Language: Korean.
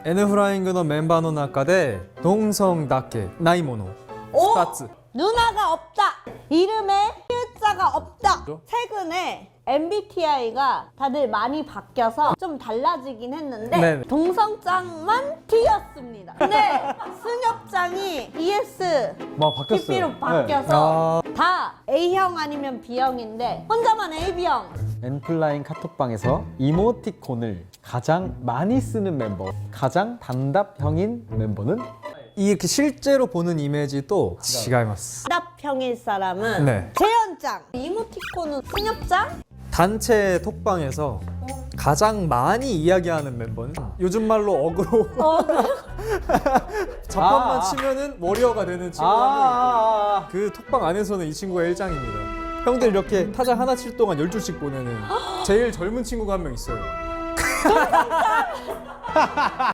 Nフライングのメンバーの中で동성だけないもの2つ 누나가 없다. 이름에 T자가 없다. 최근에 MBTI가 다들 많이 바뀌어서 좀 달라지긴 했는데 네네. 동성장만 T였습니다. 근데 승엽장이 ES 뭐 바뀌었어요. TP로 바뀌어서 다 A형 아니면 B형인데 혼자만 AB형. 엔플라잉 카톡방에서 이모티콘을 가장 많이 쓰는 멤버, 가장 단답형인 멤버는 이렇게 실제로 보는 이미지도 違います 답형일 사람은 네. 재현장. 이모티콘은 승엽장? 단체 톡방에서 가장 많이 이야기하는 멤버는 요즘 말로 어그로 자판만 치면은 워리어가 되는 친구가 한 명 있고 그 톡방 안에서는 이 친구가 일장입니다. 형들 이렇게 타자 하나 칠 동안 12씩 보내는 제일 젊은 친구가 한 명 있어요.